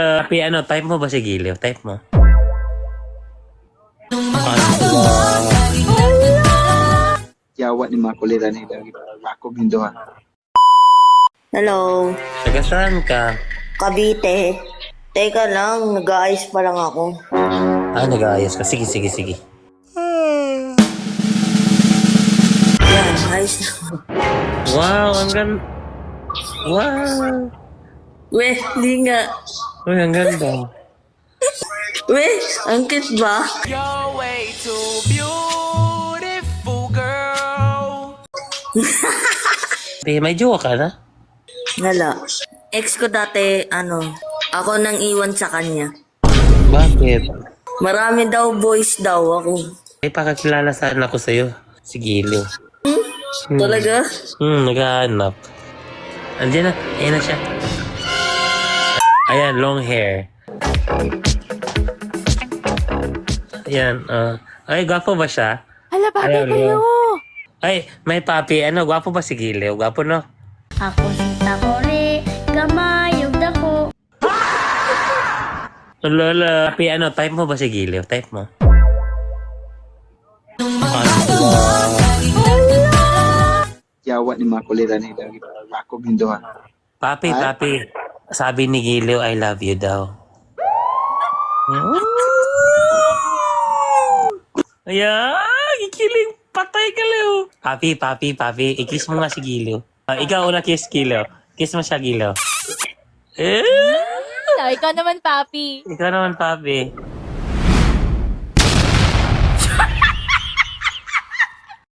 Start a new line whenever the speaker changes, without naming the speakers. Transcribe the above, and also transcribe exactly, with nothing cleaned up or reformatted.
Uh, Pi, ano, type mo ba si Giliw? Type mo.
Yawa ni mga kulira ni lagi ako ginduhan.
Hello,
Taga saan ka?
Cavite. Teka lang, nag-aayos pa lang ako.
Ah, nag-aayos ka. Sige, sige, sige.
Yan, ayos na.
Wow, ang ganda. Wow.
Weh, di nga.
Uy, ang ganda.
Weh, ang cute ba?
You're way too beautiful, girl.
Pi, may jowa ka na?
Wala. Ex ko dati, ano, ako nang iwan sa kanya.
Bakit?
Marami daw boys daw ako.
Ay, pakakilala saan ako sa'yo. Si Giliw. Hmm.
Talaga?
Hmm, naghahanap. Andiyan na. Ayan na siya. Ayan, long hair. Ayan, ah. ay, gwapo ba siya?
Hala, papi
Ayan,
kayo!
Ay, may papi. Ano, gwapo ba si Giliw? Gwapo, no?
Ako si Takore, kamayog dako.
Lola. Papi, ano, type mo ba si Giliw? Type mo.
Yawa ni mga kulira ni lagi ako ginduhan.
Papi, papi. Sabi ni Giliw, I love you daw. Ayan, ikiling. Patay ka, Leo. Papi, papi, papi. I-kiss mo nga si Giliw. Ah, ikaw una kiss, Giliw. Kiss mo siya, Giliw. Eh,
Ikaw naman, papi.
ikaw naman, papi.